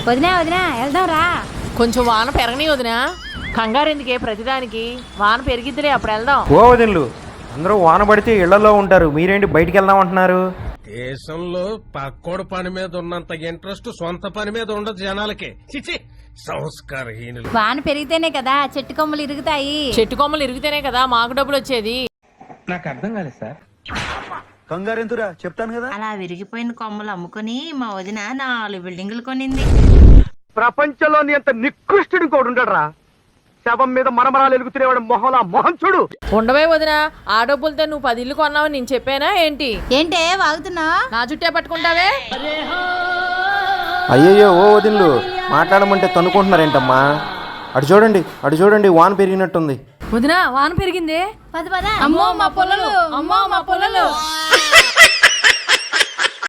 వదినా వదినా వెళ్దాం రా. కొంచెం వాన పెరగని వదినా, కంగారు ఎందుకే ప్రతిదానికి, వాన పెరిగిద్దిలే అప్పుడు వెళ్దాం. ఓ వదినలు, అందరూ వాన పడితే ఇళ్లలో ఉంటారు, మీరేంటి బయటికి వెళ్దాం అంటున్నారు? దేశంలో పక్కోడు పని మీద ఉన్నంత ఇంట్రెస్ట్ సొంత పని మీద ఉండదు జనాలకి. చిచి సంస్కారహీనులు. వాన పెరిగితేనే కదా చెట్టు కొమ్మలు ఇరుగుతాయి. చెట్టు కొమ్మలు ఇరిగితేనే కదా మాకు డబ్బులు వచ్చేది. నాకు అర్థం కాలేదు సార్. కంగారెంతురా, చెప్తాను కదా. అలా విరిగిపోయిన కొమ్మలు అమ్ముకుని మా వదిన 4 బిల్డింగులు కొనింది. ప్రపంచంలోని అంత నికృష్టుడు కూడా ఉండడరా. శవం మీద మరమరాలు ఎలుగుతున్నవాడు మొహలా మొహం చూడు. ఉండవే వదినా, ఆ డబ్బులతో నువ్వు 10 ఇల్లు కొన్నావని నేను చెప్పానా ఏంటి? ఏంటే వాగుతున్నా? నా చుట్టే పట్టుకుంటావే. అయ్యయ్యో ఓ వదినలు, మాట్లాడమంటే తనుకుంటున్నారేంటమ్మా? అటు చూడండి వాన పెరిగినట్టుంది. వదినా వాన పెరిగింది. పద పద. అమ్మో మా పొలలు, అమ్మో మా పొలలు.